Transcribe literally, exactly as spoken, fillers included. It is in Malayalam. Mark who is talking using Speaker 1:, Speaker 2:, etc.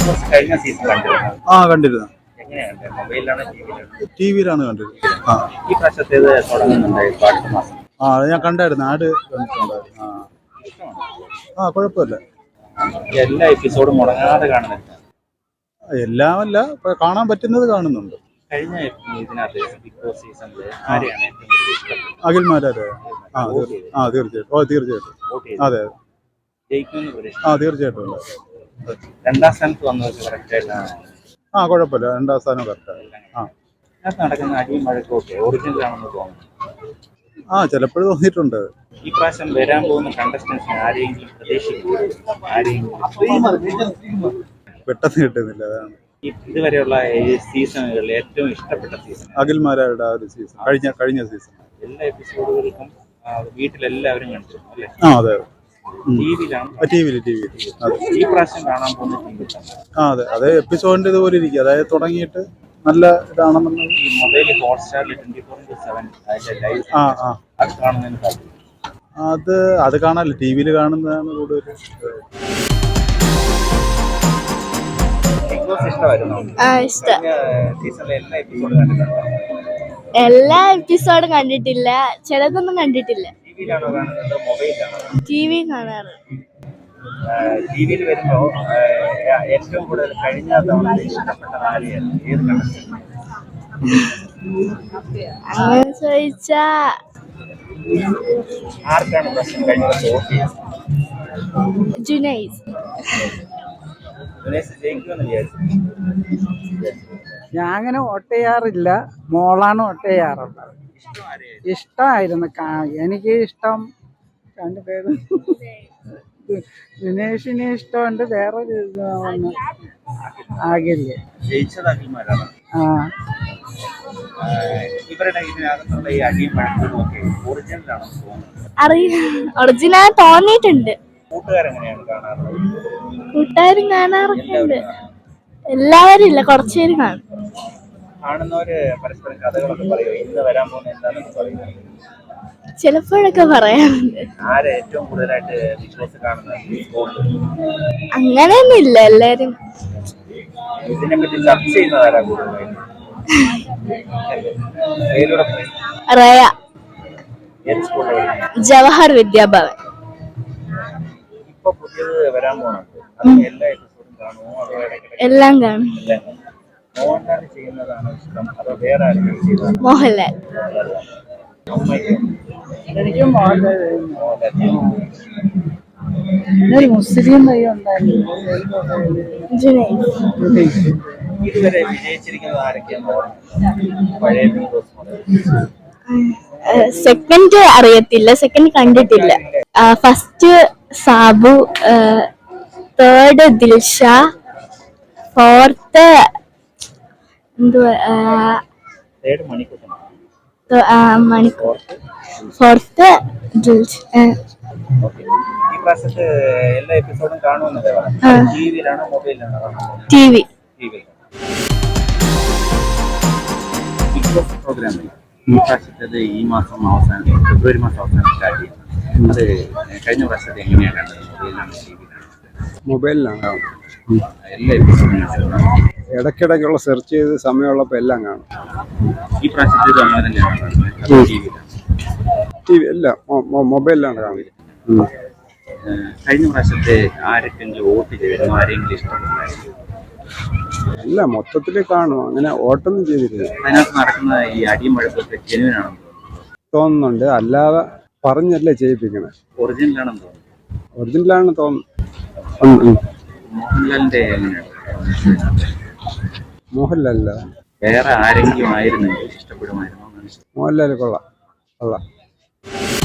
Speaker 1: കഴിഞ്ഞ സീസൺ കണ്ടിരുന്നു.
Speaker 2: ആ കണ്ടിരുന്നു.
Speaker 1: എങ്ങനെയാണ് മൊബൈലിലാണ് ടിവിയിലാണ്?
Speaker 2: ടി വിയിലാണ് കണ്ടിരുന്നത്. ആ
Speaker 1: ഈ പ്രാവശ്യത്തേത് തുടങ്ങുന്നുണ്ടായിരുന്നു അടുത്ത മാസം.
Speaker 2: ആ അത് ഞാൻ കണ്ടായിരുന്നു. ആട് കണ്ടിട്ടുണ്ടായിരുന്നു. ആ ആ കുഴപ്പമില്ല.
Speaker 1: എല്ലാ എപ്പിസോഡും മുടങ്ങാതെ കാണുന്നുണ്ട്.
Speaker 2: എല്ലാമല്ല, കാണാൻ പറ്റുന്നത് കാണുന്നുണ്ട്.
Speaker 1: കഴിഞ്ഞ ഇതിനകത്ത് ബിഗ് ബോസ് സീസണിൽ ആരെയാണ് ഏറ്റവും കൂടുതൽ ഇഷ്ടപ്പെട്ടത്?
Speaker 2: അഖിൽമാരാരെ. ആ ആ തീർച്ചയായിട്ടും. ഓ തീർച്ചയായിട്ടും. അതെ അതെ
Speaker 1: ജയിക്കുമെന്ന് പ്രതീക്ഷ.
Speaker 2: ആ തീർച്ചയായിട്ടും.
Speaker 1: രണ്ടാം സ്ഥാനത്ത് വന്നവർക്ക് കറക്റ്റ് ആയിട്ടാണ്.
Speaker 2: ആ കുഴപ്പമില്ല. രണ്ടാം സ്ഥാനം കറക്റ്റാണ്. ആ
Speaker 1: ഇതിനകത്ത് നടക്കുന്ന അടിയും വഴക്കൊക്കെ ഒറിജിനൽ ആണെന്ന് തോന്നുന്നു.
Speaker 2: ആ ചിലപ്പോഴും തോന്നിയിട്ടുണ്ട്.
Speaker 1: ഈ പ്രാവശ്യം വരാൻ പോകുന്ന കണ്ടസ്റ്റൻസിന് ആരെയെങ്കിലും പ്രതീക്ഷിക്കുന്നു? ആരെയെങ്കിലും
Speaker 2: പെട്ടെന്ന് കിട്ടുന്നില്ല. അതാണ്
Speaker 1: ഇതുവരെയുള്ള സീസണുകളിൽ ഏറ്റവും ഇഷ്ടപ്പെട്ട സീസൺ?
Speaker 2: അഖിൽമാരാരുടെ ആ ഒരു സീസൺ, കഴിഞ്ഞ കഴിഞ്ഞ സീസൺ.
Speaker 1: എല്ലാ എപ്പിസോഡുകൾക്കും വീട്ടിലെല്ലാവരും കണ്ടിരുന്നു അല്ലേ?
Speaker 2: ആ അതെ.
Speaker 1: ടിവിയിലാണ്.
Speaker 2: ടി വിയിൽ ടി വിയിൽ
Speaker 1: ഈ പ്രാവശ്യം കാണാൻ പോകുന്ന ടി വി.
Speaker 2: ആ അതെ അതെ എപ്പിസോഡിന്റെ ഇതുപോലെ ഇരിക്കും. അതായത് തുടങ്ങിയിട്ട് നല്ല ഇതാണെന്നുണ്ടെങ്കിൽ
Speaker 1: ഈ മൊബൈലിൽ ഹോട്ട്സ്റ്റാറിൽ ട്വന്റി ഫോർ ഇൻറ്റു സെവൻ അതിന്റെ ലൈവ്
Speaker 2: ആ ആ
Speaker 1: അത് കാണുന്നതിന് താല്പര്യം.
Speaker 2: അത് അത് കാണാനല്ല, ടി വിയിൽ കാണുന്നതാണ് കൂടുതൽ.
Speaker 1: ബിഗ് ബോസ് ഇഷ്ടമായിരുന്നു? സീസണിലെ എല്ലാ എപ്പിസോഡും കണ്ടിട്ടുണ്ടോ?
Speaker 3: എല്ലാ എപ്പിസോഡും കണ്ടിട്ടില്ല, ചിലതൊന്നും കണ്ടിട്ടില്ല.
Speaker 1: ടിവിയിലാണോ കാണുന്നത് മൊബൈലിലാണോ?
Speaker 3: ടി വി കാണാറ്.
Speaker 1: ടിവിയിൽ വരുമ്പോ ഏറ്റവും കൂടുതൽ കഴിഞ്ഞ തവണ ഇഷ്ടപ്പെട്ട ആരെയാണ്? ഏത് കണ്ടസ്റ്റന്റ്?
Speaker 3: അങ്ങനെ ചോദിച്ചാ
Speaker 1: ആർക്കാണ് പ്രശ്നം കഴിഞ്ഞ വോട്ട് ചെയ്യുന്നത്?
Speaker 3: ജുനൈസ്.
Speaker 1: ജുനൈസ് ജയിക്കുമെന്ന് വിചാരിച്ചു.
Speaker 4: ഞാൻ അങ്ങനെ വോട്ട് ചെയ്യാറില്ല, മോളാണ് വോട്ട് ചെയ്യാറുള്ളത്. ഇഷ്ടമായിരുന്നു. എനിക്ക് ഇഷ്ടം രണ്ട് പേര്, ദിനേഷിനെ ഇഷ്ടമുണ്ട്, വേറൊരു ഒന്ന് ആകില്ല.
Speaker 1: ജയിച്ചത് അഖിൽമാരാണ്.
Speaker 4: ആ
Speaker 1: ഇവരുടെ ഇതിനകത്തുള്ള ഈ അടിയും വഴക്കൊക്കെ ഒറിജിനലാണോ തോന്നുന്നത്?
Speaker 3: അറിയില്ല, ഒറിജിനൽ തോന്നിയിട്ടുണ്ട്.
Speaker 1: കൂട്ടുകാരെങ്ങനെയാണ് കാണാറുള്ളത്?
Speaker 3: കൂട്ടുകാരും കാണാറൊക്കെ ഉണ്ട്. എല്ലാവരും ഇല്ല, കുറച്ചുപേര് കാണും.
Speaker 1: കാണുന്നവര് പരസ്പരം കഥകളൊക്കെ പറയുമോ? ഇന്ന് വരാൻ പോകുന്ന എന്താണെന്ന് പറയുന്നത്?
Speaker 3: ചിലപ്പോഴൊക്കെ പറയാറുണ്ട്.
Speaker 1: ആരെ ഏറ്റവും കൂടുതലായിട്ട് ബിഗ് ബോസ് കാണുന്നത്?
Speaker 3: അങ്ങനെയൊന്നും ഇല്ല, എല്ലാരും
Speaker 1: ഇതിനെ പറ്റി ചർച്ച ചെയ്യുന്നതാരാ കൂടുതലായിട്ട്?
Speaker 3: റയ,
Speaker 1: ഏത് സ്കൂളിൽ?
Speaker 3: ജവഹർ വിദ്യാഭവൻ.
Speaker 1: ഇപ്പൊ പുതിയത് വരാൻ പോകണം. എല്ലാ എപ്പിസോഡും കാണുമോ? അതോ ഇടയ്ക്കിടയ്ക്ക്?
Speaker 3: എല്ലാം കാണും.
Speaker 1: മോഹൻലാൽ ചെയ്യുന്നതാണോ ഇഷ്ടം അതോ വേറെ ആരെങ്കിലും ചെയ്യുന്നതാണോ?
Speaker 3: മോഹൻലാൽ.
Speaker 4: എനിക്കും ഒരു മുസ്ലിം പയ്യ ഉണ്ടായിരുന്നു,
Speaker 3: ജുനൈസ്.
Speaker 1: ഇതുവരെ വിജയിച്ചിരിക്കുന്നത് ആരൊക്കെയാന്ന് പഴയ ബിഗ് ബോസ് മുതൽ?
Speaker 3: സെക്കൻഡ് അറിയത്തില്ല, സെക്കൻഡ് കണ്ടിട്ടില്ല. First Sabu, third Dilsha, fourth എന്തുവാ മണിക്കൂർ, ഫോർത്ത് ദിൽഷ.
Speaker 1: ഈ പ്രാവശ്യത്തെ എല്ലാ എപ്പിസോഡും കാണുമെന്നല്ലേ പറഞ്ഞു? ടിവിയിലാണോ മൊബൈലിലാണോ കാണുന്നത്?
Speaker 3: T V.
Speaker 1: ബിഗ് ബോസ് പ്രോഗ്രാമിൽ ഈ പ്രാവശ്യത്തേത് ഈ മാസം അവസാനം, ഫെബ്രുവരി മാസം അവസാനം സ്റ്റാർട്ട് ചെയ്യുന്നത്. അത് കഴിഞ്ഞ പ്രാവശ്യത്തെ എങ്ങനെയാണ് കണ്ടത്? മൊബൈലിലാണോ ടിവിയിലാണോ?
Speaker 5: മൊബൈലിലാണ്.
Speaker 1: എല്ലാ എപ്പിസോഡും
Speaker 5: ഇടയ്ക്കിടയ്ക്കുള്ള സെർച്ച് ചെയ്ത് സമയമുള്ളപ്പോൾ എല്ലാം കാണും.
Speaker 1: ഈ പ്രാവശ്യത്തേത് അങ്ങനെ തന്നെയാണ് കാണുന്നത്? ടിവിയിലാണ്?
Speaker 5: ടി വി അല്ല, മൊബൈലിലാണ് കാണുന്നത്.
Speaker 1: കഴിഞ്ഞ പ്രാവശ്യത്തെ ആരെങ്കിലും വോട്ട് ചെയ്തിരുന്നു? ആരെങ്കിലും ഇഷ്ടപ്പെട്ടായിരുന്നു?
Speaker 5: അല്ല, മൊത്തത്തിൽ കാണും, അങ്ങനെ വോട്ടൊന്നും ചെയ്തിട്ടില്ല.
Speaker 1: അതിനകത്ത് നടക്കുന്ന ഈ അടിയും വഴക്കൊക്കെ ജെനുവിനാണെന്ന്
Speaker 5: തോന്നുന്നുണ്ട്, അല്ലാതെ പറഞ്ഞല്ലേ ചെയ്യിപ്പിക്കണേ.
Speaker 1: ഒറിജിനലാണെന്ന് തോന്നുന്നു.
Speaker 5: ഒറിജിനലാണെന്ന് തോന്നുന്നു.
Speaker 1: മോഹൻലാലിന്റെ എങ്ങനെയാണ്?
Speaker 5: മോഹൻലാലല്ല,
Speaker 1: വേറെ ആരെങ്കിലും ആയിരുന്നെങ്കിൽ ഇഷ്ടപ്പെടുമായിരുന്നു?
Speaker 5: മോഹൻലാൽ കൊള്ളാം കൊള്ളാം.